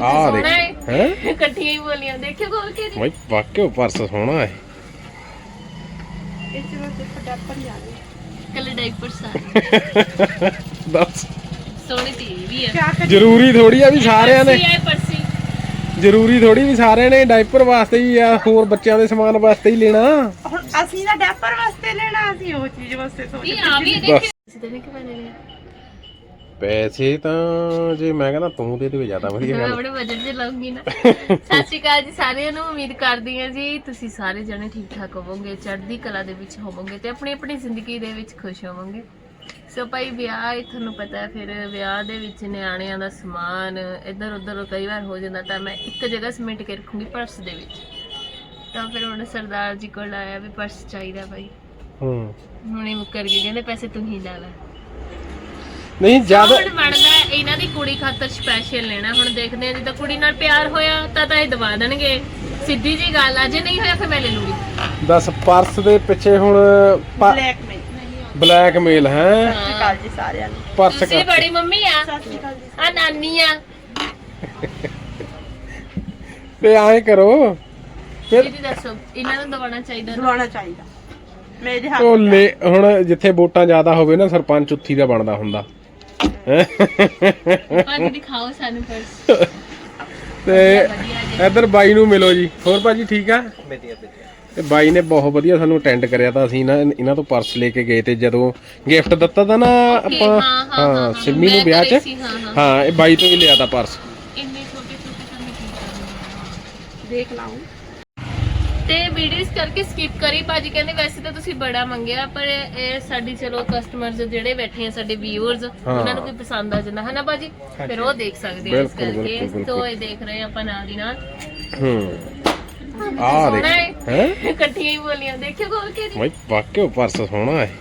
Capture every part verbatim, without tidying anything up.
ਆ ਦੇਖ ਹੈ ਇਕੱਠੀਆਂ ਹੀ ਬੋਲੀਆਂ ਦੇਖਿਓ ਖੋਲ ਕੇ ਜੀ ਬਾਈ ਵਾਕਿਓ ਪਰਸ ਸੋਹਣਾ ਹੈ ਇਸ ਵਿੱਚ ਸਿਰਫ ਡੈਪਰ ਹੀ ਆ ਗਏ ਕੱਲੇ ਡਾਈਪਰ ਸਾਰੇ ਦੱਸ ਸੋਹਣੀ ਤੀ ਵੀ ਆ ਕਿਆ ਕਰੀਏ ਜ਼ਰੂਰੀ ਥੋੜੀ ਆ ਵੀ ਸਾਰਿਆਂ ਨੇ ਪਰਸੀ ਹੈ ਪਰਸੀ ਜ਼ਰੂਰੀ ਥੋੜੀ ਵੀ ਸਾਰਿਆਂ ਨੇ ਡਾਈਪਰ ਵਾਸਤੇ ਹੀ ਆ ਹੋਰ ਬੱਚਿਆਂ ਦੇ ਸਮਾਨ ਵਾਸਤੇ ਹੀ ਲੈਣਾ ਹੁਣ ਅਸੀਂ ਨਾ ਡੈਪਰ ਵਾਸਤੇ ਲੈਣਾ ਅਸੀਂ ਉਹ ਚੀਜ਼ ਵਾਸਤੇ ਸੋਚਦੇ ਇਹ ਆ ਵੀ ਦੇਖਿਓ ਕਿਸੇ ਨੇ ਕਿ ਮੈंने ਲਿਆ ਪੈਸੇ ਤਾਂ ਜੇ ਮੈਂ ਕਹਿੰਦਾ ਤੂੰ ਦੇ ਦੇ ਜ਼ਿਆਦਾ ਵਧੀਆ ਮੈਂ ਗੱਲ ਆਪਣੇ ਬਜਟ 'ਚ ਲਾਉਂਗੀ ਨਾ ਸਤਿ ਸ਼੍ਰੀ ਅਕਾਲ ਜੀ ਸਾਰਿਆਂ ਨੂੰ ਉਮੀਦ ਕਰਦੀ ਹਾਂ ਜੀ ਤੁਸੀਂ ਸਾਰੇ ਜਣੇ ਠੀਕ ਠਾਕ ਹੋਵੋਗੇ ਚੜ੍ਹਦੀ ਕਲਾ ਦੇ ਵਿੱਚ ਹੋਵੋਗੇ ਤੇ ਆਪਣੀ ਆਪਣੀ ਜ਼ਿੰਦਗੀ ਦੇ ਵਿੱਚ ਖੁਸ਼ ਹੋਵੋਗੇ ਸੋ ਭਾਈ ਵਿਆਹ ਹੈ ਤੁਹਾਨੂੰ ਪਤਾ ਹੈ ਫਿਰ ਵਿਆਹ ਦੇ ਵਿੱਚ ਨਿਆਣਿਆਂ ਦਾ ਸਮਾਨ ਇੱਧਰ ਉੱਧਰ ਕਈ ਵਾਰ ਹੋ ਜਾਂਦਾ ਤਾਂ ਮੈਂ ਇੱਕ ਜਗ੍ਹਾ ਸਮੇਟ ਕੇ ਰੱਖੂੰਗੀ ਪਰਸ ਦੇ ਵਿੱਚ ਤਾਂ ਫਿਰ ਹੁਣ ਸਰਦਾਰ ਜੀ ਕੋਲ ਆਇਆ ਵੀ ਪਰਸ ਚਾਹੀਦਾ ਭਾਈ ਹੂੰ ਹੁਣੇ ਮੁੱਕਰ ਗਏ ਕਹਿੰਦੇ ਪੈਸੇ ਤੂੰ ਹੀ ਲਾ ਲੈ ਨਹੀਂ ਜ਼ਿਆਦਾ ਹੁਣ ਬਣਦਾ ਇਹਨਾਂ ਦੀ ਕੁੜੀ ਖਾਤਰ ਸਪੈਸ਼ਲ ਲੈਣਾ ਹੁਣ ਦੇਖਦੇ ਆ ਜਿੱਦਾਂ ਕੁੜੀ ਨਾਲ ਪਿਆਰ ਹੋਇਆ ਤਾਂ ਤਾਂ ਇਹ ਦਵਾ ਦੇਣਗੇ ਸਿੱਧੀ ਜੀ ਗੱਲ ਆ ਜੇ ਨਹੀਂ ਹੋਇਆ ਫਿਰ ਮੈਂ ਲੈ ਲੂੰਗੀ ਦਸ ਪਰਸ ਦੇ ਪਿੱਛੇ ਹੁਣ ਬਲੈਕ ਮੇਲ ਬਲੈਕਮੇਲ ਹੈ ਸਤਿ ਸ਼੍ਰੀ ਅਕਾਲ ਜੀ ਸਾਰਿਆਂ ਨੂੰ ਪਰਸ ਤੁਸੀਂ ਬੜੀ ਮੰਮੀ ਆ ਸਤਿ ਸ਼੍ਰੀ ਅਕਾਲ ਜੀ ਆ ਨਾਨੀ ਆ ਤੇ ਐਂ ਕਰੋ ਫਿਰ ਦੀਦੀ ਦੱਸੋ ਇਹਨਾਂ ਨੂੰ ਦਵਾਉਣਾ ਚਾਹੀਦਾ ਨਾ? ਦਵਾਉਣਾ ਚਾਹੀਦਾ ਮੇਰੇ ਹੱਥ ਉਹ ਲੈ ਹੁਣ ਜਿੱਥੇ ਵੋਟਾਂ ਜ਼ਿਆਦਾ ਹੋਵੇ ਨਾ ਸਰਪੰਚ ਉੱਥੀ ਦਾ ਬਣਦਾ ਹੁੰਦਾ ਭਾਜੀ ਦਿਖਾਓ ਸਾਨੂੰ ਪਰਸ ਤੇ ਇੱਧਰ ਬਾਈ ਨੂੰ ਮਿਲੋ ਜੀ ਹੋਰ ਭਾਜੀ ਠੀਕ ਆ ਤੇ ਬਾਈ ਨੇ ਬਹੁਤ ਵਧੀਆ ਸਾਨੂੰ ਅਟੈਂਡ ਕਰਿਆ ਤਾਂ ਅਸੀਂ ਨਾ ਇਹਨਾਂ ਤੋਂ ਪਰਸ ਲੈ ਕੇ ਗਏ ਤੇ ਜਦੋਂ ਗਿਫਟ ਦਿੱਤਾ ਤਾਂ ਨਾ ਆਪਾਂ ਹਾਂ ਸਿੰਮੀ ਨੂੰ ਵਿਆਹ 'ਚ ਹਾਂ ਇਹ ਬਾਈ ਤੋਂ ਹੀ ਲਿਆ ਤਾਂ ਪਰਸ ਇੰਨੇ ਛੋਟੇ ਛੋਟੇ ਤਾਂ ਮੈਂ ਕੀ ਕਰਾਂ ਦੇਖ ਲਾਉਂ ਤੇ ਵੀਡੀਓਸ ਕਰਕੇ ਸਕਿਪ ਕਰੀ ਭਾਜੀ ਕਹਿੰਦੇ ਵੈਸੇ ਤਾਂ ਤੁਸੀਂ ਬੜਾ ਮੰਗਿਆ ਪਰ ਇਹ ਸਾਡੀ ਚਲੋ ਕਸਟਮਰਸ ਜਿਹੜੇ ਬੈਠੇ ਆ ਸਾਡੇ ਵਿਊਅਰਸ ਉਹਨਾਂ ਨੂੰ ਕੋਈ ਪਸੰਦ ਆ ਜਾਂਦਾ ਹੈ ਨਾ ਭਾਜੀ ਫਿਰ ਉਹ ਦੇਖ ਸਕਦੇ ਆ ਇਸ ਕਰਕੇ ਤੋਂ ਇਹ ਦੇਖ ਰਹੇ ਆਪਾਂ ਨਾਲ ਦੀ ਨਾਲ ਹੂੰ ਆ ਦੇਖ ਹੈ ਇਕੱਠੀਆਂ ਹੀ ਬੋਲੀਆਂ ਦੇਖਿਓ ਖੋਲ ਕੇ ਜੀ ਬਾਈ ਵਾਕਿਓ ਪਰਸ ਸੋਹਣਾ ਹੈ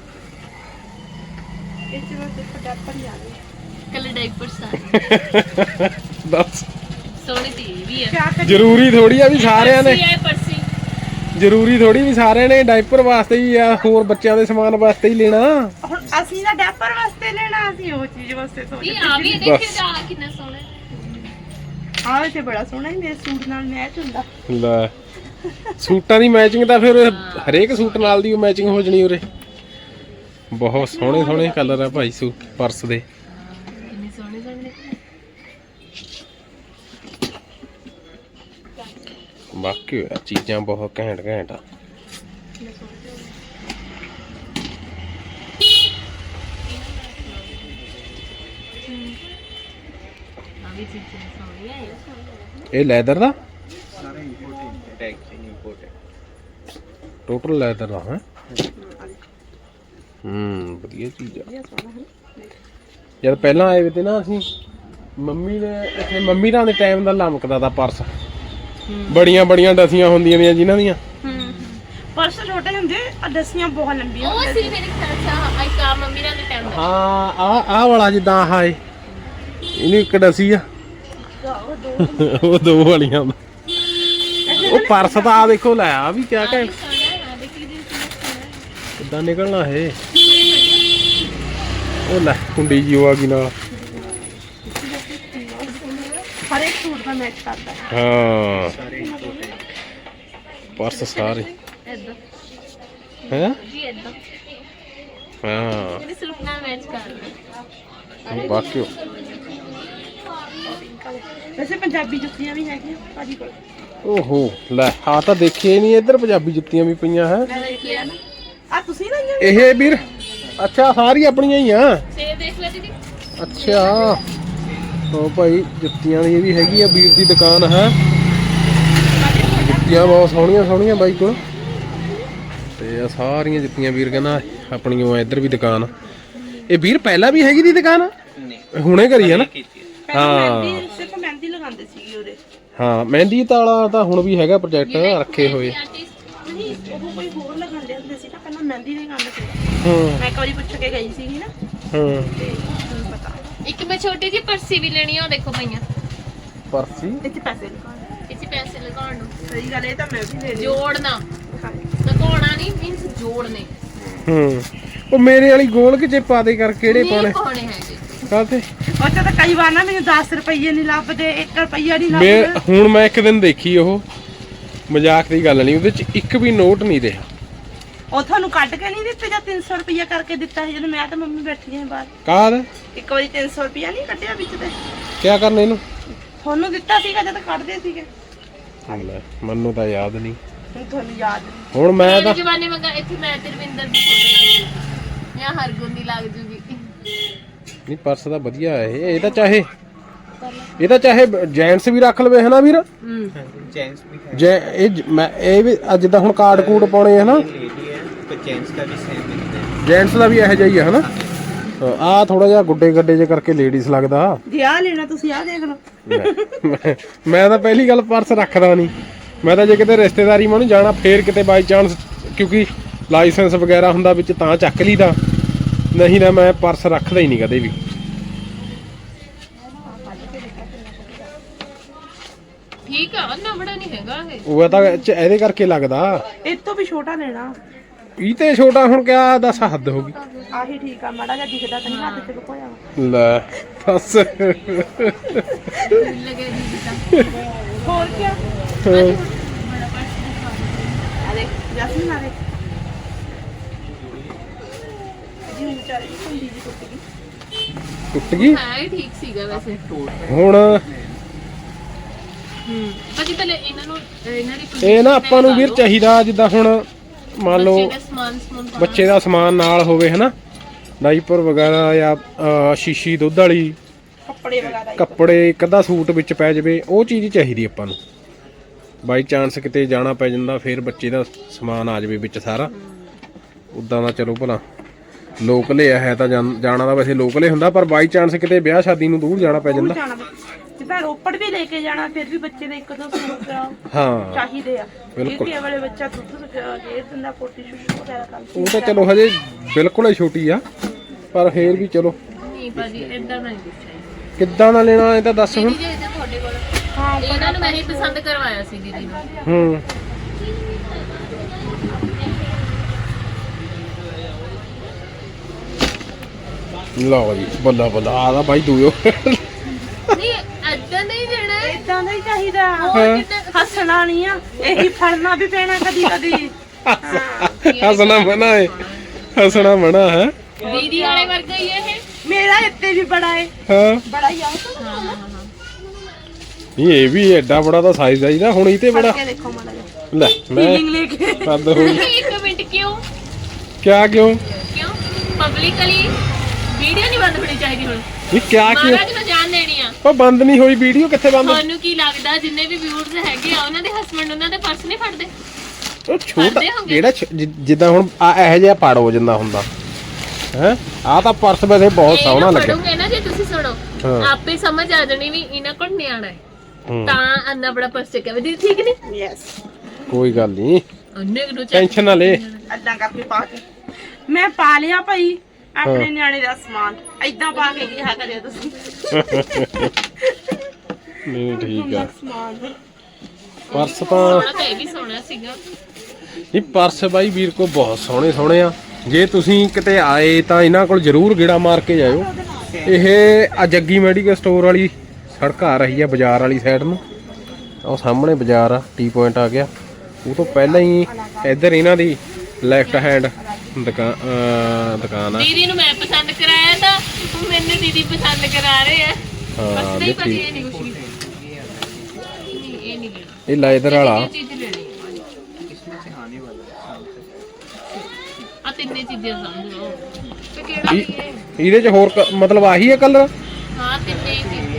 ਇਸ ਵਿੱਚ ਸਿਰਫ ਡੈਪਰ ਹੀ ਆ ਗਏ ਕੱਲੇ ਡਾਈਪਰ ਸਾਰੇ ਦੱਸ ਸੋਹਣੀ ਤੀ ਵੀ ਆ ਕਿਆ ਕਰੀਏ ਜ਼ਰੂਰੀ ਥੋੜੀ ਆ ਵੀ ਸਾਰਿਆਂ ਨੇ ਪਰਸੀ ਹੈ ਪਰਸੀ ਜ਼ਰੂਰੀ ਥੋੜੀ ਵੀ ਸਾਰਿਆਂ ਨੇ ਡਾਈਪਰ ਵਾਸਤੇ ਹੀ ਆ ਹੋਰ ਬੱਚਿਆਂ ਦੇ ਸਮਾਨ ਵਾਸਤੇ ਹੀ ਲੈਣਾ ਹੁਣ ਅਸੀਂ ਨਾ ਡੈਪਰ ਵਾਸਤੇ ਲੈਣਾ ਅਸੀਂ ਉਹ ਚੀਜ਼ ਵਾਸਤੇ ਸੋਚਦੇ ਇਹ ਆ ਵੀ ਦੇਖਿਓ ਜਾ ਕਿੰਨਾ ਸੋਹਣਾ ਆਹ ਤੇ ਬੜਾ ਸੋਹਣਾ ਹੀ ਮੇਰੇ ਸੂਟ ਨਾਲ ਮੈਚ ਹੁੰਦਾ ਲੈ ਸੂਟਾਂ ਦੀ ਮੈਚਿੰਗ ਤਾਂ ਫਿਰ ਹਰੇਕ ਸੂਟ ਨਾਲ ਦੀ ਮੈਚਿੰਗ ਹੋ ਜਣੀ ਉਰੇ ਬਹੁਤ ਸੋਹਣੇ ਸੋਹਣੇ ਕਲਰ ਆ ਭਾਈ ਸੂਟ ਪਰਸ ਦੇ ਕਿੰਨੇ ਸੋਹਣੇ ਸੋਹਣੇ ਬਾਕੀ ਚੀਜ਼ਾਂ ਬਹੁਤ ਘੈਂਟ ਘੈਂਟ ਆ ਆ ਵੀ ਚੀਜ਼ਾਂ ਸੋਹਣੀਆਂ ਆ ਇਹ ਲੈਦਰ ਦਾ ਟੋਟਲ ਲੈਦਰ ਦਾ ਹੈ ਹੂੰ ਵਧੀਆ ਚੀਜ਼ ਆ ਜਦ ਪਹਿਲਾਂ ਆਏ ਵੇ ਤੇ ਨਾ ਅਸੀਂ ਮੰਮੀ ਨੇ ਇੱਥੇ ਮੰਮੀ ਦਾ ਦੇ ਟਾਈਮ ਦਾ ਲਮਕਦਾ ਦਾ ਪਰਸ ਬੜੀਆਂ ਬੜੀਆਂ ਡਸੀਆਂ ਹੁੰਦੀਆਂ ਨੇ ਜਿਨ੍ਹਾਂ ਦੀਆਂ ਹੂੰ ਪਰਸ ਛੋਟੇ ਹੁੰਦੇ ਆ ਦਸੀਆਂ ਬਹੁਤ ਲੰਬੀਆਂ ਉਹ ਸੀ ਮੇਰੇ ਖਿਆਲ ਚ ਆਈ ਕਾ ਮੰਮੀ ਨਾਲ ਦੇ ਟਾਈਮ ਦਾ ਹਾਂ ਆ ਆ ਵਾਲਾ ਜਿੱਦਾਂ ਆਹ ਏ ਇਹਨੂੰ ਇੱਕ ਡਸੀ ਆ ਉਹ ਦੋ ਵਾਲੀਆਂ ਉਹ ਪਰਸ ਤਾਂ ਆ ਦੇਖੋ ਲੈ ਆ ਵੀ ਕਿਆ ਕਹਿ ਸੋਹਣਾ ਆ ਦੇਖੀ ਦੀ ਕਿੱਦਾਂ ਨਿਕਲਣਾ ਹੈ ਉਹ ਲੈ ਕੁੰਡੀ ਜੀ ਉਹ ਆ ਗਈ ਨਾਲ ਹਰ ਇੱਕ ਸੂਟ ਦਾ ਮੈਚ ਕਰਦਾ ਹਾਂ ਪਰਸ ਸਾਰੇ ਇਦਾਂ ਹੈ ਜੀ ਇਦਾਂ ਹਾਂ ਇਹਦੇ ਸੂਟ ਨਾਲ ਮੈਚ ਕਰਦਾ ਬਾਕੀ ਵੈਸੇ ਪੰਜਾਬੀ ਜੁੱਤੀਆਂ ਵੀ ਹੈਗੀਆਂ ਭਾਜੀ ਕੋਲ ਓਹੋ ਲੈ ਆ ਤਾਂ ਦੇਖੇ ਨਹੀਂ ਇੱਧਰ ਪੰਜਾਬੀ ਜੁੱਤੀਆਂ ਵੀ ਪਈਆਂ ਹੈ ਮੈਂ ਦੇਖਿਆ ਨਾ ਆ ਤੁਸੀਂ ਲਾਈਆਂ ਇਹ ਵੀਰ ਅੱਛਾ ਸਾਰੀ ਆਪਣੀਆਂ ਹੀ ਆ ਸੇਬ ਦੇਖ ਲੈ ਦੀਦੀ ਅੱਛਾ ਉਹ ਭਾਈ ਜੁੱਤੀਆਂ ਦੀ ਇਹ ਵੀ ਹੈਗੀ ਆ ਵੀਰ ਦੀ ਦੁਕਾਨ ਹੈ ਜੁੱਤੀਆਂ ਬਹੁਤ ਸੋਹਣੀਆਂ ਸੋਹਣੀਆਂ ਬਾਈ ਕੋਲ ਤੇ ਆ ਸਾਰੀਆਂ ਜੁੱਤੀਆਂ ਵੀਰ ਕਹਿੰਦਾ ਆਪਣੀਆਂ ਇੱਧਰ ਵੀ ਦੁਕਾਨ ਇਹ ਵੀਰ ਪਹਿਲਾਂ ਵੀ ਹੈਗੀ ਦੀ ਦੁਕਾਨ ਹੁਣੇ ਕਰੀ ਹੈ ਨਾ ਹਾਂ ਸਿਰਫ ਮਹਿੰਦੀ ਲਗਾਉਂਦੇ ਸੀਗੇ ਉਹਦੇ ਹਾਂ ਮਹਿੰਦੀ ਵਾਲਾ ਤਾਂ ਹੁਣ ਵੀ ਹੈਗਾ ਪ੍ਰੋਜੈਕਟ ਰੱਖੇ ਹੋਏ ਨਹੀਂ ਉਹ ਕੋਈ ਹੋਰ ਲਗਾਉਂਦੇ ਹੁੰਦੇ ਸੀ ਨਾ ਪਹਿਲਾਂ ਮਹਿੰਦੀ ਲਗਾਉਂਦੇ ਸੀ ਹਾਂ ਮੈਂ ਇੱਕ ਵਾਰੀ ਪੁੱਛ ਕੇ ਗਈ ਸੀਗੀ ਨਾ ਹਾਂ ਤੇ ਤੁਹਾਨੂੰ ਪਤਾ ਇੱਕ ਮੈਂ ਛੋਟੀ ਜਿਹੀ ਪਰਸੀ ਵੀ ਲੈਣੀ ਆ ਉਹ ਦੇਖੋ ਪਈਆਂ ਪਰਸੀ ਇੱਥੇ ਪੈਸੇ ਲਗਾਉਣੇ ਇੱਥੇ ਪੈਸੇ ਲਗਾਉਣ ਨੂੰ ਸਹੀ ਗੱਲ ਇਹ ਤਾਂ ਮੈਂ ਵੀ ਲੈ ਲਈ ਜੋੜਨਾ ਲਗਾਉਣਾ ਨਹੀਂ ਮੀਨਸ ਜੋੜਨੇ ਹੂੰ ਉਹ ਮੇਰੇ ਵਾਲੀ ਗੋਲ ਕਿ ਜੇ ਪਾ ਦੇ ਕਰ ਕਿਹੜੇ ਪਾਉਣੇ ਨਹੀਂ ਪਾਉਣੇ ਹੈਗੇ ਕਾਹਤੇ ਉਹ ਚ ਤਾਂ ਕਈ ਵਾਰ ਨਾ ਮੈਨੂੰ ਦਸ ਰੁਪਏ ਨਹੀਂ ਲੱਭਦੇ, ਇੱਕ ਰੁਪਈਆ ਨਹੀਂ ਮੈਂ ਲੱਭਦਾ। ਹੁਣ ਮੈਂ ਇੱਕ ਦਿਨ ਦੇਖੀ ਉਹ, ਮਜ਼ਾਕ ਦੀ ਗੱਲ ਨਹੀਂ, ਉਹਦੇ ਚ ਇੱਕ ਵੀ ਨੋਟ ਨਹੀਂ ਰਿਹਾ। ਉਹ ਤੁਹਾਨੂੰ ਕੱਢ ਕੇ ਨਹੀਂ ਦਿੱਤੇ ਜਾਂ ਤਿੰਨ ਸੌ ਰੁਪਈਆ ਕਰਕੇ ਦਿੱਤਾ ਸੀ ਜਦੋਂ ਮੈਂ ਤੇ ਮੰਮੀ ਬੈਠੀਆਂ ਬਾਹਰ? ਕਾਹਦ ਇੱਕ ਵਾਰੀ ਤਿੰਨ ਸੌ ਰੁਪਈਆ ਨਹੀਂ ਕੱਢਿਆ ਵਿੱਚ ਤੇ? ਕਿਆ ਕਰਨਾ ਇਹਨੂੰ? ਤੁਹਾਨੂੰ ਦਿੱਤਾ ਸੀਗਾ ਜਦ ਕੱਢਦੇ ਸੀਗੇ। ਲੈ, ਮੈਨੂੰ ਤਾਂ ਯਾਦ ਨਹੀਂ। ਹੁਣ ਤੁਹਾਨੂੰ ਯਾਦ ਨਹੀਂ। ਹੁਣ ਮੈਂ ਤਾਂ ਮੇਰੇ ਜਵਾਨੇ ਮੰਗਾ ਇੱਥੇ ਮੈਂ ਤੇ ਰਵਿੰਦਰ ਦੀ ਫੋਟੋ ਲੱਗ ਜਾਂ ਹਰਗੁੰਦੀ ਲੱਗ ਜੂਗੀ। ਨਹੀਂ ਪਰਸ ਤਾਂ ਵਧੀਆ ਹੈ ਇਹ ਇਹ ਤਾਂ ਚਾਹੇ ਇਹ ਤਾਂ ਚਾਹੇ ਜੈਂਟਸ ਵੀ ਰੱਖ ਲਵੇ ਹਨਾ ਵੀਰ। ਹੂੰ जेंट्स भी है, ਜੇ ਇਹ ਜ- ਮੈਂ ਇਹ ਵੀ ਅੱਜ ਜਿੱਦਾਂ ਹੁਣ ਕਾਰਡ ਕੂਡ ਪਾਉਣੇ ਹਨਾ, लेडी है तो जेंट्स का भी सेम मिलता है। ਜੈਂਟਸ ਦਾ ਵੀ ਇਹੋ ਜਿਹਾ ਹੀ ਆ ਹਨਾ। ਆਹ ਥੋੜਾ ਜਿਹਾ ਗੁੱਡੇ ਗੱਡੇ ਜੇ ਕਰਕੇ ਲੇਡੀਜ਼ ਲੱਗਦਾ। ਜੇ ਆ ਲੈਣਾ ਤੁਸੀਂ ਆ ਦੇਖ ਲਓ। ਮੈਂ- ਮੈਂ ਤਾਂ ਪਹਿਲੀ ਗੱਲ ਪਰਸ ਰੱਖਦਾ ਨਹੀਂ। ਮੈਂ ਤਾਂ ਜੇ ਕਿਤੇ ਰਿਸ਼ਤੇਦਾਰੀ ਮੈਂ ਨੂੰ ਜਾਣਾ ਫੇਰ ਕਿਤੇ ਬਾਈ ਚਾਂਸ, ਕਿਉਂਕਿ ਲਾਇਸੈਂਸ ਵਗੈਰਾ ਹੁੰਦਾ ਵਿੱਚ ਤਾਂ ਚੱਕ ਲਈਦਾ, ਨਹੀਂ ਨਾ ਮੈਂ ਪਰਸ ਰੱਖਦਾ ਹੀ ਨਹੀਂ ਕਦੇ ਵੀ। ਠੀਕ ਆ, ਨਾ ਬੜਾ ਨਹੀਂ ਹੈਗਾ ਇਹ। ਉਹ ਤਾਂ ਇਹ 'ਚ ਇਹਦੇ ਕਰਕੇ ਲੱਗਦਾ। ਇਹ ਤੋਂ ਵੀ ਛੋਟਾ ਲੈਣਾ। ਇਹ ਤੇ ਛੋਟਾ ਹੁਣ ਕਿਆ ਦੱਸ, ਹੱਦ ਹੋ ਗਈ। ਆਹੀ ਠੀਕ ਆ, ਮਾੜਾ ਜਿਹਾ ਦਿਖਦਾ ਤਾਂ ਨਹੀਂ ਹੱਥ ਚ ਲੁਕੋਇਆ ਵਾ। ਲੈ ਬਸ ਲੱਗੇ ਦੀ ਤਾਂ ਹੋਰ ਕੀ ਆ? ਅਰੇ ਜਸਮੀਨ ਆ ਦੇ ਜੀ ਵਿਚਾਰੀ ਕੁੰਡੀ ਜੀ ਟੁੱਟ ਗਈ। ਟੁੱਟ ਗਈ ਹਾਂ ਇਹ ਠੀਕ ਸੀਗਾ ਵੈਸੇ। ਹੁਣ। ਹੂੰ ਬਾਕੀ ਪਹਿਲੇ ਇਹਨਾਂ ਨੂੰ ਇਹਨਾਂ ਦੀ ਇਹ ਨਾ ਆਪਾਂ ਨੂੰ ਵੀਰ ਚਾਹੀਦਾ ਜਿੱਦਾਂ ਹੁਣ ਮੰਨ ਲਓ ਬੱਚੇ ਦਾ ਸਮਾਨ ਸਮੂਨ ਪਾਉਣਾ। ਬੱਚੇ ਦਾ ਸਮਾਨ ਨਾਲ ਹੋਵੇ ਹਨਾ, ਡਾਈਪਰ ਵਗੈਰਾ ਜਾਂ ਅਹ, ਸ਼ੀਸ਼ੀ ਦੁੱਧ ਵਾਲੀ, ਕੱਪੜੇ ਵਗੈਰਾ ਕੱਪੜੇ, ਇੱਕ ਅੱਧਾ ਸੂਟ ਵਿੱਚ ਪੈ ਜਾਵੇ, ਉਹ ਚੀਜ਼ ਚਾਹੀਦੀ ਆਪਾਂ ਨੂੰ। ਬਾਈ ਚਾਂਸ ਕਿਤੇ ਜਾਣਾ ਪੈ ਜਾਂਦਾ ਫਿਰ ਬੱਚੇ ਦਾ ਸਮਾਨ ਆ ਜਾਵੇ ਵਿੱਚ ਸਾਰਾ। ਉਦਾਂ ਦਾ ਚਲੋ ਭਲਾ ਲੋਕਲੇ ਹੈ ਤਾਂ ਜਾਣ- ਜਾਣਾ ਤਾਂ ਵੈਸੇ ਲੋਕਲੇ ਹੁੰਦਾ, ਪਰ ਬਾਈ ਚਾਂਸ ਕਿਤੇ ਵਿਆਹ ਸ਼ਾਦੀ ਨੂੰ ਦੂਰ ਜਾਣਾ ਪੈ ਜਾਂਦਾ। ਜਾਣਾ ਜਿੱਦਾਂ ਰੋਪੜ ਵੀ ਲੈ ਕੇ ਜਾਣਾ, ਫਿਰ ਵੀ ਬੱਚੇ ਦੇ ਇੱਕ ਦੋ ਸੂਟ ਹਾਂ ਚਾਹੀਦੇ ਆ। ਬਿਲਕੁਲ। ਇਹ ਵਾਲੇ ਬੱਚਾ ਦੁੱਧ ਗੇਰ ਦਿੰਦਾ, ਪੋਟੀ ਸ਼ੁਸ਼ੂ ਵਗੈਰਾ ਕਰ ਉਹ ਤਾਂ ਚਲੋ ਹਜੇ ਬਿਲਕੁਲ ਹੀ ਛੋਟੀ ਆ, ਪਰ ਫੇਰ ਵੀ ਚਲੋ ਨਹੀਂ ਭਾਜੀ ਇਦਾਂ ਨਹੀਂ ਪੁੱਛਿਆ ਕਿੱਦਾਂ ਦਾ ਲੈਣਾ ਇਹ ਤਾਂ ਦੱਸ ਹੁਣ। ਜੀ ਇਹਦਾ ਤੁਹਾਡੇ ਕੋਲ ਹਾਂ ਇਹਨਾਂ ਨੂੰ ਮੈਂ ਹੀ ਪਸੰਦ ਕਰਵਾਇਆ ਸੀ ਦੀਦੀ ਨੂੰ। ਹੂੰ ਲਓ ਜੀ, ਬੱਲਾ ਬੱਲਾ ਆਦਾ ਬਾਈ ਦੂਇਓ। ਨਹੀਂ ਏਦਾਂ ਨਹੀਂ ਦੇਣਾ ਹੈ। ਇਦਾਂ ਦਾ ਹੀ ਚਾਹੀਦਾ। ਹੋਰ ਕਿੰਨਾ ਹੱਸਣਾ ਨਹੀਂ ਆ, ਇਹੀ ਫੜਨਾ ਵੀ ਪੈਣਾ ਕਦੀ ਕਦੀ। ਹੱਸਣਾ ਮਨਾ ਹੈ, ਹੱਸਣਾ ਮਨਾ ਹੈ। ਦੀਦੀ ਵਾਲੇ ਵਰਗਾ ਹੀ ਹੈ ਇਹ। ਮੇਰਾ ਇੱਥੇ ਵੀ ਬੜਾ ਹੈ, ਹਾਂ ਬੜਾ ਹੀ ਆ। ਹਾਂ ਹਾਂ ਹਾਂ ਨਹੀਂ ਇਹ ਵੀ ਐਡਾ ਬੜਾ ਤਾਂ ਸਾਈਜ਼ ਆਈਦਾ ਹੁਣ, ਇਹ ਤੇ ਬੜਾ। ਕੇ ਦੇਖੋ ਮਾੜਾ ਜਿਹਾ ਲੈ ਮੈਂ ਫੀਲਿੰਗ ਲੈ ਕੇ। ਕੱਦ ਹੋਈ ਨਹੀਂ, ਇੱਕ ਮਿੰਟ ਕਿਉਂ ਕਿਆ ਕਿਉਂ ਕਿਉਂ ਪਬਲਿਕਲੀ ਵੀਡੀਓ ਨਹੀਂ ਬੰਦ ਹੋਣੀ ਚਾਹੀਦੀ ਹੁਣ। ਇਹ ਕਿਆ ਕਿਉਂ ਮਹਾਰਾਜ ਨੂੰ ਜਾਣ ਦੇਣੀ ਆ। ਉਹ ਬੰਦ ਨਹੀਂ ਹੋਈ ਵੀਡੀਓ, ਕਿੱਥੇ ਬੰਦ? ਤੁਹਾਨੂੰ ਕੀ ਲੱਗਦਾ ਜਿੰਨੇ ਵੀ ਵਿਊਅਰਸ ਹੈਗੇ ਆ ਉਹਨਾਂ ਦੇ ਹਸਬੰਡ ਉਹਨਾਂ ਦੇ ਪਰਸ ਨਹੀਂ ਫੜਦੇ? ਉਹ ਛੋਟਾ ਕਰਦੇ ਹੋਗੇ। ਜਿਹੜਾ ਛ- ਜਿ- ਜਿੱਦਾਂ ਹੁਣ ਆ ਇਹੋ ਜਿਹਾ ਪੜ ਹੋ ਜਾਂਦਾ ਹੁੰਦਾ ਹੈ। ਆ ਤਾਂ ਪਰਸ ਵੈਸੇ ਬਹੁਤ ਇਹ ਸੋਹਣਾ ਨਾ ਲੱਗਿਆ। ਪੜੋਗੇ ਨਾ ਜੇ ਤੁਸੀਂ ਸੁਣੋ ਹਾਂ। ਆਪੇ ਸਮਝ ਆ ਜਾਣੀ ਵੀ ਇਹਨਾਂ ਕੋਲ ਨਿਆਣਾ ਹੈ ਹੂੰ, ਤਾਂ ਅੰਨਾ ਬੜਾ ਪਰਸ ਚੱਕਿਆ ਵੀ ਦੀਦੀ ਠੀਕ ਨਹੀਂ ਯੈਸ, ਕੋਈ ਗੱਲ ਨਹੀਂ, ਉਹਨੇ ਨੂੰ ਚੱਕ ਟੈਨਸ਼ਨ ਨਾ ਲੈ। ਅੱਦਾਂ ਕਰਕੇ ਪਾ ਕੇ ਮੈਂ ਪਾ ਲਿਆ ਭਾਈ ਆਪਣੇ ਨਿਆਣੇ ਦਾ ਸਮਾਨ। ਏਦਾਂ ਪਾ ਕੇ ਕਿਹਾ ਕਰਿਓ ਤੁਸੀਂ। ਨਹੀਂ ਠੀਕ ਆ। ਸਮਾਨ ਪਰਸ ਤਾਂ ਸੋਹਣਾ ਤਾਂ ਇਹ ਵੀ ਸੋਹਣਾ ਸੀਗਾ। ਇਹ ਪਰਸ ਬਾਈ ਵੀਰ ਕੋ ਬਹੁਤ ਸੋਹਣੇ ਸੋਹਣੇ ਆ। ਜੇ ਤੁਸੀਂ ਕਿਤੇ ਆਏ ਤਾਂ ਇਹਨਾਂ ਕੋਲ ਜ਼ਰੂਰ ਗੇੜਾ ਮਾਰ ਕੇ ਜਾਇਓ। ਇਹ ਆ ਜੱਗੀ ਮੈਡੀਕਲ ਸਟੋਰ ਵਾਲੀ ਸੜਕ ਆ ਰਹੀ ਆ ਬਾਜ਼ਾਰ ਵਾਲੀ ਸਾਈਡ ਨੂੰ। ਉਹ ਸਾਹਮਣੇ ਬਾਜ਼ਾਰ ਆ, ਟੀ ਪੁਆਇੰਟ ਆ ਗਿਆ। ਉਹ ਤੋਂ ਪਹਿਲਾਂ ਹੀ ਇੱਧਰ ਇਹਨਾਂ ਦੀ ਲੈਫਟ ਹੈਂਡ ਦੁਕਾਨ ਅਹ ਦੁਕਾਨ ਆ। ਦੀਦੀ ਨੂੰ ਮੈਂ ਪਸੰਦ ਕਰਾਇਆ ਤਾਂ ਹੁਣ ਮੈਨੂੰ ਦੀਦੀ ਪਸੰਦ ਕਰਾ ਰਹੇ ਆ। ਬਸ ਹਾਂ ਨਹੀਂ ਭਾਜੀ ਦੇਖੀ ਇਹ ਨਹੀਂ ਕੁਛ ਵੀ ਨਹੀਂ, ਇਹ ਨਹੀਂ ਲੈਣਾ। ਇਹ ਲੈਦਰ ਵਾਲਾ ਇਹ ਚੀਜ਼ ਲੈਣੀ इसमें से आने वाला है शाम तक। ਆ ਤਿੰਨੇ ਚੀਜ਼ਾਂ ਸਮਝ ਲਓ ਤੇ ਕਿਹੜਾ ਵੀ ਹੈ। ਇਹਦੇ ਚ ਹੋਰ ਕ- ਮਤਲਬ ਆਹੀ ਹੈ ਕਲਰ। ਹਾਂ ਤਿੰਨੇ ਹੀ ਚੀਜ਼ਾਂ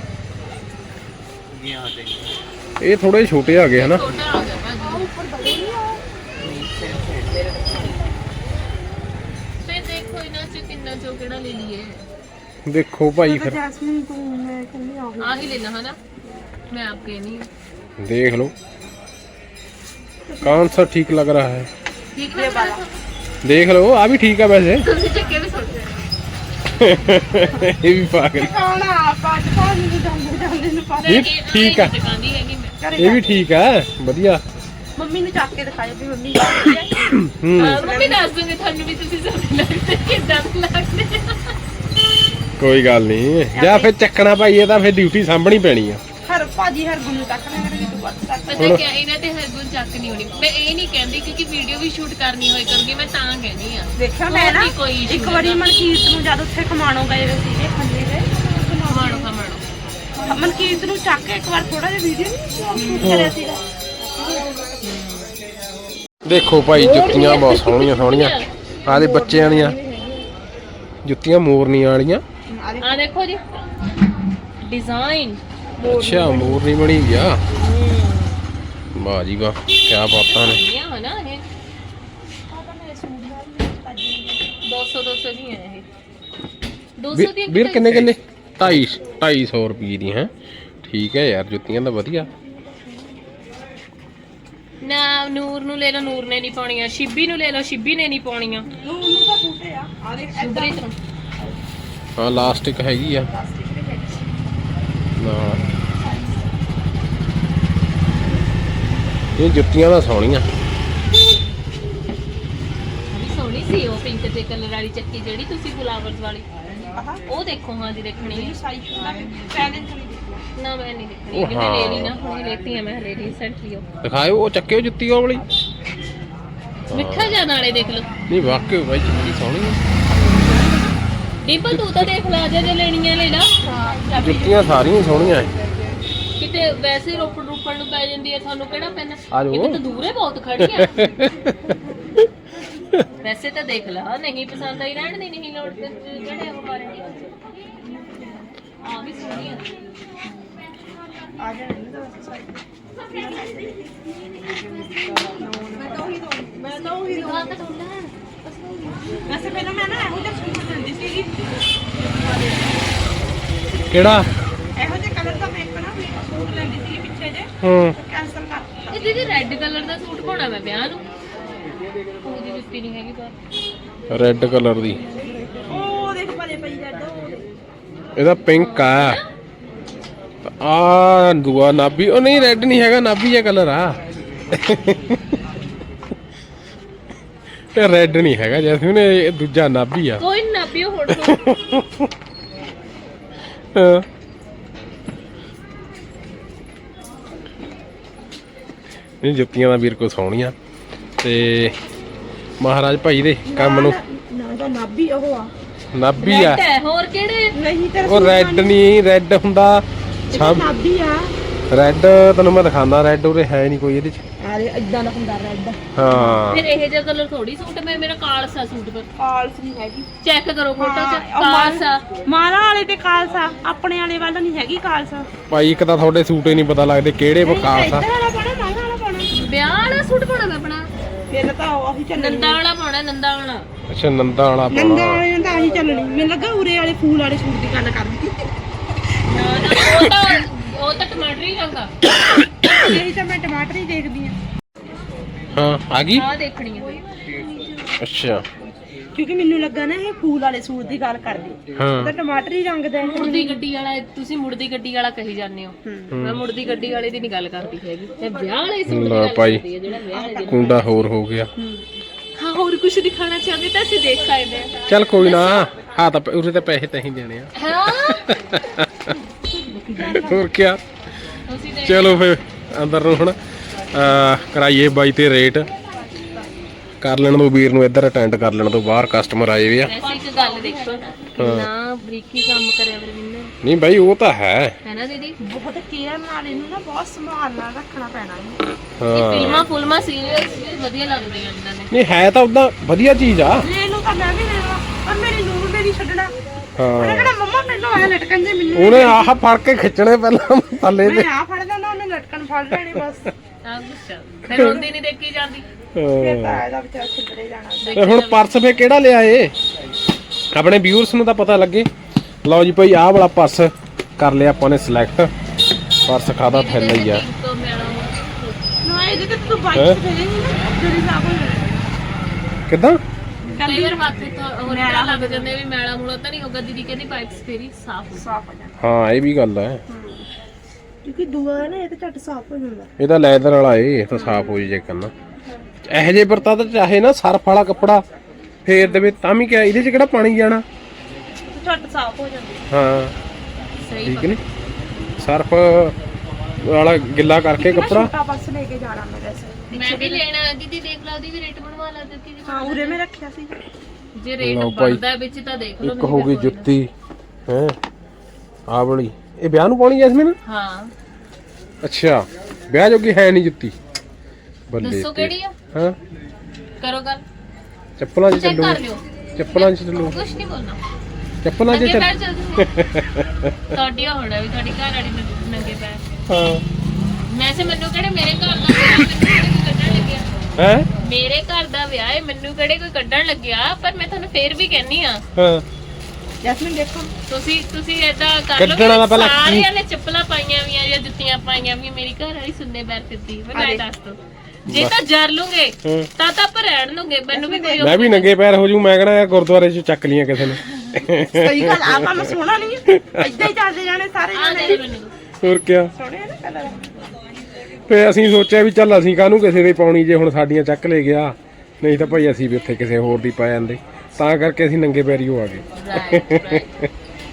ये आ जाएंगे। ਇਹ ਥੋੜੇ ਛੋਟੇ ਆ ਗਏ ਹਨਾ। ਛੋਟਾ ਆ ਗਿਆ ਭਾਜੀ। ਫਿਰ ਦੇਖੋ ਇਹਨਾਂ ਚ ਤਿੰਨਾਂ ਚੋਂ ਕਿਹੜਾ ਲੈ ਲਈਏ। ਦੇਖੋ ਭਾਈ ਫਿਰ ਜੈਸਮੀਨ ਤੂੰ ਮੈਂ ਕਹਿੰਦੀ ਆ ਆ ਹੀ ਲੈਣਾ ਹੈ ਨਾ मैं आपके नहीं देख लो कौन सा ठीक लग रहा है। ठीक है वाला देख लो आ भी ठीक है वैसे। तुम चक्के भी सोच रहे ये भी पागल। ਖਾਣਾ ਆਪਾਂ ਪਾਣੀ ਨੂੰ ਜਾਂਦੇ ਜਾਂਦੇ ਨੂੰ ਪਾ ये ठीक है, दिखाती है कि मैं ये भी ठीक है बढ़िया। ਮੰਮੀ ਨੂੰ ਚੱਕ ਕੇ ਦਿਖਾਇਆ ਵੀ ਮੰਮੀ ਜਾਂਦੀ ਹੈ। हम्म मम्मी दस दूंगी थानू भी तुसी सब लगते किदां लगते ਕੋਈ ਗੱਲ ਨਹੀਂ ਜਾਂ ਫਿਰ ਚੱਕਣਾ ਭਾਈ ਇਹ ਤਾਂ ਫਿਰ ਡਿਊਟੀ ਸਾਂਭਣੀ ਪੈਣੀ ਆ ਹਰ ਭਾਜੀ ਹਰ ਗੁੰਨੂ ਤੱਕ ਨਾ ਕਿ ਤੂੰ ਵੱਧ ਤੱਕ ਪਤਾ ਕਿਆ ਇਹਨਾਂ ਤੇ ਹਰਗੁਣ ਚੱਕ ਨਹੀਂ ਹੋਣੀ ਮੈਂ ਇਹ ਨਹੀਂ ਕਹਿੰਦੀ ਕਿਉਂਕਿ ਵੀਡੀਓ ਵੀ ਸ਼ੂਟ ਕਰਨੀ ਹੋਈ ਕਰੂਗੀ ਮੈਂ ਤਾਂ ਕਹਿੰਦੀ ਆ ਦੇਖਿਆ ਮੈਂ ਨਾ ਹੋਰ ਨੀ ਕੋਈ issue ਇੱਕ ਵਾਰੀ ਹੈਗਾ। ਮਨਕੀਰਤ ਨੂੰ ਜਦ ਉੱਥੇ ਖਮਾਣੋ ਗਏ ਹੋਏ ਸੀਗੇ ਖੰਨੇ ਦੇ ਮਾਣੋ ਮਾਣੋ ਮਨਕੀਰਤ ਨੂੰ ਚੱਕ ਕੇ ਇੱਕ ਵਾਰ ਥੋੜਾ ਜਿਹਾ ਵੀਡੀਓ ਸ਼ੂਟ ਕਰਿਆ ਸੀਗਾ ਦੇਖੋ ਭਾਈ ਜੁੱਤੀਆਂ ਬਹੁਤ ਸੋਹਣੀਆਂ ਸੋਹਣੀਆਂ ਆਦੇ ਬੱਚਿਆਂ ਦੀਆਂ ਜੁੱਤੀਆਂ ਮੋਰਨੀਆਂ ਵਾਲੀਆਂ ਆ ਦੇਖੋ ਜੀ ਡਿਜ਼ਾਈਨ ਅੱਛਾ ਮੋਰਨੀ ਬਣੀ ਵੀ ਆ ਵਾਹ ਜੀ ਵਾਹ ਕੀ ਬਾਤਾਂ ਨੇ ਇਹ ਹੈ ਨਾ ਇਹ ਦੋ ਸੌ ਦੋ ਸੌ ਦੀਆਂ ਇਹ ਦੋ ਸੌ ਦੀਆਂ ਵੀਰ ਕਿੰਨੇ ਕਿੰਨੇ ਢਾਈ ਢਾਈ ਸੌ ਰੁਪਏ ਦੀ ਹੈ ਠੀਕ ਹੈ ਯਾਰ ਜੁੱਤੀਆਂ ਤਾਂ ਵਧੀਆ ਨਾ ਨੂਰ ਨੂੰ ਲੈ ਲਓ ਨੂਰ ਨੇ ਨਹੀਂ ਪਾਉਣੀਆਂ ਸ਼ਿੱਬੀ ਨੂੰ ਲੈ ਲਓ ਸ਼ਿੱਬੀ ਨੇ ਨਹੀਂ ਪਾਉਣੀਆਂ ਉਹਨੂੰ ਤਾਂ ਬੂਟੇ ਆ ਆ ਦੇਖ ਸੁਬਰੀਤ ਨੂੰ ਹਾਂ ਲਾਸਟਿਕ ਹੈਗੀ ਆ ਨਾਲ ਇਹ ਜੁੱਤੀਆਂ ਤਾਂ ਸੋਹਣੀਆਂ ਵੀ ਸੋਹਣੀ ਸੀ ਉਹ ਪਿੰਕ ਤੇ ਕਲਰ ਵਾਲੀ ਚੱਕੀ ਜਿਹੜੀ ਤੁਸੀਂ ਫਲਾਵਰਸ ਵਾਲੀ ਉਹ ਦੇਖੋ ਹਾਂ ਜੀ ਦੇਖਣੀ ਹੈ ਸਾਈਜ਼ ਦਾ ਪਹਿਲੇ ਨਹੀਂ ਦੇਖਿਆ ਨਾ ਮੈਂ ਨਹੀਂ ਦੇਖਣੀ ਉਹ ਕਿ ਮੈਂ ਲੈ ਲਈ ਹਾਂ। ਨਾ ਹੁਣ ਲੈਤੀ ਆ ਮੈਂ ਹਲੇ ਰੀਸੈਂਟਲੀ ਉਹ ਦਿਖਾਇਓ ਉਹ ਚੱਕਿਓ ਜੁੱਤੀ ਉਹ ਵਾਲੀ ਮਿੱਠਾ ਜਿਹਾ ਨਾਲੇ ਦੇਖ ਲਓ ਨਹੀਂ ਵਾਕਈ ਭਾਈ ਜੁੱਤੀ ਸੋਹਣੀ ਆ ਡਿੰਪਲ ਤੂੰ ਤਾਂ ਦੇਖ ਲਾ ਜੇ ਜੇ ਲੈਣੀਆਂ ਲੈ ਲਾ ਜੁੱਤੀਆਂ ਸਾਰੀਆਂ ਸੋਹਣੀਆਂ ਐ ਕਿਤੇ ਵੈਸੇ ਰੋਪੜ ਰੋਪੜ ਨੂੰ ਪੈ ਜਾਂਦੀ ਹੈ ਤੁਹਾਨੂੰ ਕਿਹੜਾ ਪੈਣਾ ਆ ਜਾਓ। ਇਹ ਤਾਂ ਦੂਰੇ ਬਹੁਤ ਖੜੀ ਆ ਵੈਸੇ ਤਾਂ ਦੇਖ ਲਾ ਨਹੀਂ ਪਸੰਦ ਆਈ ਰਹਿਣ ਦੀ ਨਹੀਂ ਲੋੜ ਤੇ ਜਿਹੜੇ ਉਹ ਮਾਰੇ ਆ ਵੀ ਸੋਹਣੀ ਆ ਆ ਜਾਣਾ ਮੈਂ ਤਾਂ ਉਹੀ ਦਿਖਾ ਤਾਂ ਡੋਲਾ ਵੈਸੇ ਪਹਿਲਾਂ ਮੈਂ ਨਾ ਇਹੋ ਜਿਹਾ ਸੂਟ ਲੈਂਦੀ ਸੀਗੀ ਕਿਹੜਾ ਇਹੋ ਜਿਹੇ ਕਲਰ ਦਾ ਮੈਂ ਇੱਕ ਨਾ ਸੂਟ ਲੈਂਦੀ ਸੀਗੀ ਪਿੱਛੇ ਜੇ ਹੂੰ ਕੈਂਸਲ ਕਰ ਇਹ ਦੀਦੀ ਰੈੱਡ ਕਲਰ ਦਾ ਸੂਟ ਪਾਉਣਾ ਮੈਂ ਵਿਆਹ ਨੂੰ ਉਹਦੀ ਜੁੱਤੀ ਨਹੀਂ ਹੈਗੀ ਪਰ ਰੈੱਡ ਕਲਰ ਦੀ ਉਹ ਦੇਖ ਭਲੇ ਪਈ ਜਾਂਦਾ ਉਹ ਦੇਖ। ਇਹਦਾ ਪਿੰਕ ਆ ਆ ਦੂਆ ਨਾਭੀ ਉਹ ਨਹੀਂ ਰੈੱਡ ਨਹੀਂ ਹੈਗਾ ਨਾਭੀ ਜਿਹਾ ਕਲਰ ਆ ਇਹ ਰੈੱਡ ਨਹੀਂ ਹੈਗਾ ਜੈਸਮੀਨ ਇਹ ਦੂਜਾ ਨਾਭੀ ਆ ਕੋਈ ਨਾ ਪਿਓ ਹੁਣ ਤੋਂ ਹਾਂ। ਇਹ ਜੁੱਤੀਆਂ ਦਾ ਵੀਰ ਕੋ ਸੋਹਣੀਆਂ ਤੇ ਮਹਾਰਾਜ ਭਾਈ ਦੇ ਕੰਮ ਨੂੰ ਨਾ ਤਾਂ ਨਾਭੀ ਉਹ ਆ ਨਾਭੀ ਆ ਰੈੱਡ ਹੈ ਹੋਰ ਕਿਹੜੇ ਨਹੀਂ ਤੇਰਾ ਉਹ ਰੈੱਡ ਨਹੀਂ ਰੈੱਡ ਹੁੰਦਾ ਸਭ ਨਾਭੀ ਆ ਰੈੱਡ ਤੈਨੂੰ ਮੈਂ ਦਿਖਾਉਂਦਾ ਰੈੱਡ ਉਰੇ ਹੈ ਨਹੀਂ ਕੋਈ ਇਹਦੇ ਚ ਆਰੇ ਇਦਾਂ ਦਾ ਹੁੰਦਾ ਰੈੱਡ ਹਾਂ ਫਿਰ ਇਹ ਜਿਹਾ ਕਲਰ ਥੋੜੀ ਸੂਟ ਮੈਂ ਮੇਰਾ ਕਾਲਸਾ ਸੂਟ ਪਰ ਕਾਲਸ ਨਹੀਂ ਹੈਗੀ ਚੈੱਕ ਕਰੋ ਫੋਟੋ ਚ ਹਾਂ, ਉਹ ਮਾਲ- ਕਾਲਸਾ ਮਾਲਾ ਵਾਲੇ ਤੇ ਕਾਲਸਾ ਆਪਣੇ ਵਾਲੇ ਵੱਲ ਨਹੀਂ ਹੈਗੀ ਕਾਲਸਾ ਭਾਈ ਇੱਕ ਤਾਂ ਤੁਹਾਡੇ ਸੂਟ ਹੀ ਨਹੀਂ ਪਤਾ ਲੱਗਦੇ ਕਿਹੜੇ ਵਿਕਾਸ ਆ ਇੱਧਰ ਵਾਲਾ ਪਾਣਾ ਮਾਲਾ ਵਾਲਾ ਪਾਣਾ ਵਿਆਹ ਵਾਲਾ ਸੂਟ ਪਾਉਣਾ ਮੈਂ ਆਪਣਾ ਫਿਰ ਤਾਂ ਉਹ ਹੀ ਚੱਲਣੀ ਨੰਦਾ ਵਾਲਾ ਪਾਉਣਾ ਨੰਦਾ ਵਾਲਾ ਅੱਛਾ ਨੰਦਾ ਵਾਲਾ ਨੰਦਾ ਪਾਉਣਾ ਵਾਲੇ ਤਾਂ ਆਹੀ ਚੱਲਣੀ ਮੈਨੂੰ ਲੱਗਾ ਉਰੇ ਵਾਲੇ ਫੂਲ ਵਾਲੇ ਸੂਟ ਦੀ ਗੱਲ ਕਰਦੀ ਨਾ ਨਾ ਉਹ ਤਾਂ ਉਹ ਤਾਂ ਟਮਾਟਰੀ ਰੰਗ ਆ ਇਹੀ ਤਾਂ ਮੈਂ ਟਮਾਟਰ ਹੀ ਦੇਖਦੀ ਆ ਹਾਂ ਆ ਗਈ ਆ ਦੇਖਣੀ ਆ ਅੱਛਾ ਕਿਉਂਕਿ ਮੈਨੂੰ ਲੱਗਾ ਨਾ ਇਹ ਫੂਲ ਵਾਲੇ ਸੂਟ ਦੀ ਗੱਲ ਕਰਦੀ ਹਾਂ ਤਾਂ ਟਮਾਟਰੀ ਰੰਗ ਦਾ ਹੈ ਮੁੜਦੀ ਗੱਡੀ ਵਾਲਾ ਤੁਸੀਂ ਮੁੜਦੀ ਗੱਡੀ ਵਾਲਾ ਕਹੀ ਜਾਂਦੇ ਹੋ ਮੈਂ ਮੁੜਦੀ ਗੱਡੀ ਵਾਲੇ ਦੀ ਨਹੀਂ ਗੱਲ ਕਰਦੀ ਹੈਗੀ ਇਹ ਵਿਆਹ ਵਾਲੇ ਸੂਟ ਦੀ ਲੈ ਗੱਲ ਭਾਈ। ਕਰਦੀ ਹੈ ਜਿਹੜਾ ਵਿਆਹ ਵਾਲੇ ਦਿਨ ਕੁੰਡਾ ਹੋਰ ਹੋ ਗਿਆ ਹਾਂ ਹੋਰ ਕੁਝ ਦਿਖਾਣਾ ਚਾਹੁੰਦੇ ਤਾਂ ਅਸੀਂ ਦੇਖ ਸਕਦੇ ਹਾਂ ਚੱਲ ਕੋਈ ਨਾ ਹਾਂ ਤਾਂ ਉਰੇ ਤਾਂ ਪੈਸੇ ਤਾਂ ਹੀ ਦੇਣੇ ਆ ਹਾਂ ਹੋਰ ਕੀ ਤੁਸੀਂ ਦੇਖ ਚਲੋ ਫਿਰ ਅੰਦਰ ਨੂੰ ਹੁਣ ਅਹ ਕਰਾਈਏ ਬਾਈ ਤੇ ਰੇਟ ਕਰ ਲੈਣ ਦੋ ਵੀਰ ਨੂੰ ਇੱਧਰ ਅਟੈਂਡ ਕਰ ਲੈਣ ਤੋਂ ਬਾਹਰ ਕਸਟਮਰ ਆਏ ਵੇ ਆ ਵੈਸੇ ਇੱਕ ਗੱਲ ਦੇਖੋ ਨਾ ਬਰੀਕੀ ਕੰਮ ਕਰਿਆ ਵਰਵਿੰਦਰ ਨਹੀਂ ਬਾਈ ਉਹ ਤਾਂ ਹੈ ਹੈ ਨਾ ਦੀਦੀ ਬਹੁਤ ਕੇਅਰ ਨਾਲ ਇਹਨੂੰ ਨਾ ਬਹੁਤ ਸੰਭਾਲ ਨਾਲ ਰੱਖਣਾ ਪੈਣਾ ਹੈ ਇਹ ਹਾਂ ਫਿਲਮਾਂ ਫੁਲਮਾਂ ਸੀਰੀਅਸ ਵਧੀਆ ਲੱਗਦੀਆਂ ਇਹਨਾਂ ਨੇ ਨਹੀਂ ਹੈ ਤਾਂ ਉਦਾਂ ਵਧੀਆ ਚੀਜ਼ ਆ ਲੈ ਲਓ ਤਾਂ ਮੈਂ ਵੀ ਲੈ ਲਵਾਂ ਪਰ ਮੇਰੀ ਨੂਰ ਮੇਰੀ ਛੱਡਣਾ ਉਹਨੇ ਹਾਂ ਕਿਹੜਾ ਮੰਮਾ ਮੈਨੂੰ ਆ ਲਟਕਣ ਦੇ ਮੈਨੂੰ ਉਹਨੇ ਆਹ ਫੜ ਕੇ ਖਿੱਚਣੇ ਪਹਿਲਾਂ ਥੱਲੇ ਤੇ ਮੈਂ ਆ ਫੜ ਲੈਣਾ ਉਹਨੇ ਲਟਕਣ ਫੜ ਲੈਣੇ ਬਸ ਆਹ ਗੁੱਸਾ ਫਿਰ ਰੋਂਦੀ ਨਹੀਂ ਦੇਖੀ ਜਾਂਦੀ ਫਿਰ ਹਾਂ। ਤਾਂ ਇਹਦਾ ਵਿਚਾਰ ਛੱਡੜੇ ਜਾਣਾ ਤੇ ਹੁਣ ਪਰਸ ਫੇ ਕਿਹੜਾ ਲਿਆ ਏ ਆਪਣੇ ਵਿਊਅਰਸ ਨੂੰ ਤਾਂ ਪਤਾ ਲੱਗੇ ਲਓ ਜੀ ਭਾਈ ਆਹ ਵਾਲਾ ਪਰਸ ਕਰ ਲਿਆ ਆਪਾਂ ਨੇ ਸਿਲੈਕਟ ਪਰਸ ਖਾਦਾ ਥੈਲਾ ਹੀ ਆ ਤੋਂ ਮੇਰਾ ਨਾ ਇਹਦੇ ਤੇ ਤੂੰ ਹੈਂ? ਬਾਈਕ ਤੇ ਜਾਏਂਗੀ ਨਾ ਤੇਰੀ ਸਾਫ ਹੋ ਜਾਣਾ ਕਿੱਦਾਂ ਕਈ ਵਾਰ ਹੱਥ ਤੋਂ ਹੋਰ ਤਰ੍ਹਾਂ ਲੱਗ ਜਾਂਦੇ ਵੀ ਮੈਲਾ ਮੂਲਾ ਤਾਂ ਨਹੀਂ ਹੋਗਾ ਦੀਦੀ ਕਹਿੰਦੀ ਪਾਈਪਸ ਫੇਰੀ ਸਾਫ਼ ਹੋ ਸਾਫ ਹੋ ਜਾਣਾ ਹਾਂ ਇਹ ਵੀ ਗੱਲ ਹੈ ਕਿਉਂਕਿ ਦੂਆ ਹੈ ਨਾ ਇਹ ਤੇ ਝੱਟ ਸਾਫ ਹੋ ਜਾਂਦਾ ਇਹ ਤਾਂ ਲੈਦਰ ਵਾਲਾ ਏ ਇਹ ਤਾਂ ਸਾਫ਼ ਹੋ ਜੇ ਕਰਨਾ ਇਹੋ ਜਿਹੇ ਵਰਤਾ ਤਾਂ ਚਾਹੇ ਨਾ ਸਰਫ ਵਾਲਾ ਕੱਪੜਾ ਫੇਰ ਦੇਵੇ ਤਾਂ ਵੀ ਕਿਆ ਇਹਦੇ ਚ ਕਿਹੜਾ ਪਾਣੀ ਜਾਣਾ ਝੱਟ ਸਾਫ਼ ਹੋ ਜਾਂਦੀ। ਹਾਂ ਸਹੀ ਠੀਕ ਨੇ ਸਰਫ ਵਾਲਾ ਗਿੱਲਾ ਕਰਕੇ ਮੈਂ ਕੱਪੜਾ। ਛੋਟਾ ਪਰਸ ਲੈ ਕੇ ਜਾਣਾ ਮੈਂ ਵੈਸੇ। ਮੈਂ ਵੀ ਲੈਣਾ ਦੀਦੀ, ਦੇਖ ਲਾ ਉਹਦੀ ਵੀ ਰੇਟ ਬਣਵਾ ਲਾ ਦਿੱਤੀ ਹਾਂ ਉਰੇ ਮੈਂ ਰੱਖਿਆ ਸੀ। ਜੇ ਰੇਟ ਲਓ ਭਾਈ। ਬਣਦਾ ਵਿੱਚ ਤਾਂ ਦੇਖ ਲਓ। ਇੱਕ ਹੋ ਗਈ ਜੁੱਤੀ ਹੈ ਆ ਵਾਲੀ, ਇਹ ਵਿਆਹ ਨੂੰ ਪਾਉਣੀ ਜੈਸਮੀਨ? ਹਾਂ ਅੱਛਾ ਵਿਆਹ ਜੋਗੀ ਹੈ ਨਹੀਂ ਜੁੱਤੀ। ਬੱਲੇ ਦੱਸੋ ਤੇ। ਕਿਹੜੀ ਆ, ਹਾਂ ਕਰੋ ਗੱਲ, ਚੱਪਲਾਂ 'ਚ ਚੈੱਕ ਚੱਲੋ, ਕਰ ਲਿਓ। ਚੱਪਲਾਂ 'ਚ ਚੱਲੋ, ਕੁਛ ਨਹੀਂ ਬੋਲਣਾ, ਚੱਪਲਾਂ 'ਚ ਨੰਗੇ ਚੱਲ। ਪੈਰ ਚੱਲ ਜਾਓ। ਤੁਹਾਡੀ ਹੋਣਾ ਵੀ ਤੁਹਾਡੀ ਘਰ ਵਾਲੀ ਨੰਗੇ- ਨੰਗੇ ਪੈਰ। ਹਾਂ ਵੈਸੇ ਮੈਨੂੰ ਕਿਹੜੇ ਮੇਰੇ ਘਰ ਦਾ ਵਿਆਹ, ਮੈਨੂੰ ਕਿਹੜੇ ਕੋਈ ਕੱਢਣ ਲੱਗਿਆ। ਹੈ ਮੇਰੇ ਘਰ ਦਾ ਵਿਆਹ ਹੈ, ਮੈਨੂੰ ਕਿਹੜੇ ਕੋਈ ਕੱਢਣ ਲੱਗਿਆ। ਪਰ ਮੈਂ ਤੁਹਾਨੂੰ ਫੇਰ ਵੀ ਕਹਿੰਨੀ ਆ, ਹਾਂ ਜੈਸਮੀਨ ਦੇਖੋ ਤੁਸੀਂ ਤੁਸੀਂ ਏਦਾਂ ਕਰ ਲਓ ਕੱਢਣਾ ਤਾਂ ਕਿ ਪਹਿਲਾਂ ਸਾਰਿਆਂ ਨੇ ਚੱਪਲਾਂ ਪਾਈਆਂ ਵੀਆਂ ਜਾਂ ਜੁੱਤੀਆਂ ਪਾਈਆਂ ਵੀ, ਮੇਰੀ ਘਰ ਵਾਲੀ ਸੁੰਨੇ ਪੈਰ ਫਿਰਦੀ ਮੈਂ ਅਰੇ। ਦੱਸ ਦੋ। ਜੇ ਤਾਂ ਜਰ ਲੂਗੇ ਹਾਂ। ਤਾਂ ਤਾਂ ਆਪਾਂ ਰਹਿਣ ਲੂਗੇ, ਮੈਨੂੰ ਵੀ ਕੋਈ ਮੈਂ ਵੀ ਨੰਗੇ ਪੈਰ ਹੋ ਜੂ। ਮੈਂ ਕਹਣਾ ਯਾਰ ਗੁਰਦੁਆਰੇ 'ਚ ਚੱਕ ਲੀਆਂ ਕਿਸੇ ਨੇ। ਸਹੀ ਗੱਲ ਆ, ਕੰਮ ਸੋਹਣਾ ਨਹੀਂ ਹੈ। ਏਦਾਂ ਹੀ ਚੱਲਦੇ ਜਾਣੇ ਸਾਰੇ ਆ ਜਾਣੇ। ਦੇ ਮੈਨੂੰ ਹੋਰ ਕਿਆ। ਸੋਹਣੇ ਆ ਨਾ ਕਲਰ। ਫੇ ਅਸੀਂ ਸੋਚਿਆ ਵੀ ਚੱਲ ਅਸੀਂ ਕਾਹਨੂੰ ਕਿਸੇ ਦੇ ਪਾਉਣੀ, ਜੇ ਹੁਣ ਸਾਡੀਆਂ ਚੱਕ ਲੈ ਗਿਆ। ਨਹੀਂ ਤਾਂ ਭਾਈ ਅਸੀਂ ਵੀ ਉੱਥੇ ਕਿਸੇ ਹੋਰ ਦੀ ਪਾ ਜਾਂਦੇ, ਤਾਂ ਕਰਕੇ ਅਸੀਂ ਨੰਗੇ ਪੈਰੀ ਹੋ ਆ ਗਏ। Right right.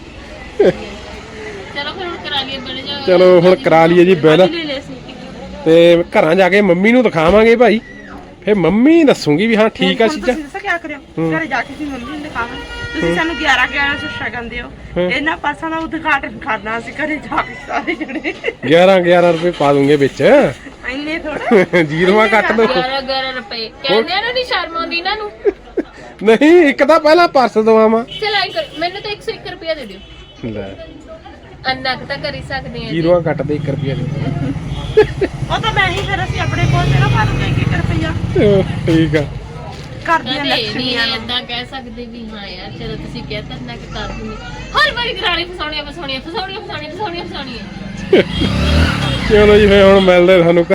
ਚਲੋ ਫਿਰ ਹੁਣ ਕਰਾ ਲਈਏ ਬਣ ਜਾ। ਚਲੋ ਹੁਣ ਕਰਾ ਲਈਏ ਜੀ ਬਿੱਲ, ਲੈ ਲੈ ਸੀ। ਤੇ ਘਰਾਂ ਜਾ ਕੇ ਮੰਮੀ ਨੂੰ ਦਿਖਾਵਾਂਗੇ ਭਾਈ। ਫੇ ਮੰਮੀ ਦੱਸੂਗੀ ਵੀ ਹਾਂ ਠੀਕ ਆ ਹੁਣ ਚੀਜ਼ਾਂ। ਤੁਸੀਂ ਦੱਸੋ ਕਿਆ ਕਰਿਓ, ਘਰੇ ਜਾ ਕੇ ਤੁਸੀਂ ਮੰਮੀ ਨੂੰ ਦਿਖਾਵਾਂ। ਤੁਸੀਂ ਸਾਨੂੰ ਗਿਆਰਾਂ ਗਿਆਰਾਂ ਸੌ ਸ਼ਗਨ ਦਿਓ, ਇਹਨਾਂ ਪਾਸਾਂ ਦਾ ਉਦਘਾਟਨ ਕਰਨਾ ਅਸੀਂ ਘਰੇ ਜਾ ਕੇ ਸਾਰੇ ਜਣੇ। ਗਿਆਰਾਂ ਗਿਆਰਾਂ ਰੁਪਏ ਪਾ ਦੂੰਗੇ ਵਿੱਚ। ਇੰਨੇ ਥੋੜਾ ਜੀਰੋਆਂ ਕੱਟ ਦੋ। ਗਿਆਰਾਂ ਗਿਆਰਾਂ ਰੁਪਏ ਕਹਿੰਦੇ ਆ ਨਾ, ਨਹੀਂ ਸ਼ਰਮ ਆਉਂਦੀ ਇਹਨਾਂ ਨੂੰ। ਨਹੀਂ ਇੱਕ ਤਾਂ ਪਹਿਲਾਂ ਪਰਸ ਦਵਾਵਾਂ। ਚਲ ਆਈ ਕਰ, ਮੈਨੂੰ ਤਾਂ ਇੱਕ ਸੌ ਇੱਕ ਰੁਪਿਆ ਦੇ ਦਿਓ। ਲੈ ਅੰਨਾ ਕੁ ਤਾਂ ਕਰ ਹੀ ਸਕਦੇ ਆ ਜੀ। ਜੀਰੋਆਂ ਕੱਟ ਦੇ ਇੱਕ ਰੁਪਿਆ ਦੇ। ਉਹ ਤਾਂ ਮੈਂ ਹੀ ਫਿਰ ਅਸੀਂ ਆਪਣੇ ਕੋਲ ਤੇ ਨਾ ਪਾ ਦੂੰਗੇ ਇੱਕ ਇੱਕ ਰੁਪਈਆ ਠੀਕ ਆ। ਘਰ ਦੀਆਂ ਕਦੇ ਨਹੀਂ ਲక్ష్ਮੀਆਂ ਨੂੰ। ਏਦਾਂ ਕਹਿ ਸਕਦੇ ਵੀ ਹਾਂ ਯਾਰ ਚਲੋ ਤੁਸੀਂ ਕਹਿਤਾ ਨਾ ਕਿ ਕਰ ਦੂੰਗੀ। ਹਰ ਵਾਰੀ ਗਰਾਣੀ ਫਸਾਉਣੀਆਂ ਫਸਾਉਣੀਆਂ ਫਸਾਉਣੀਆਂ ਫਸਾਉਣੀਆਂ ਫਸਾਉਣੀਆਂ ਫਸਾਉਣੀਆਂ। ਚਲੋ ਜੀ ਫੇ ਹੁਣ ਮਿਲਦੇ ਤੁਹਾਨੂੰ।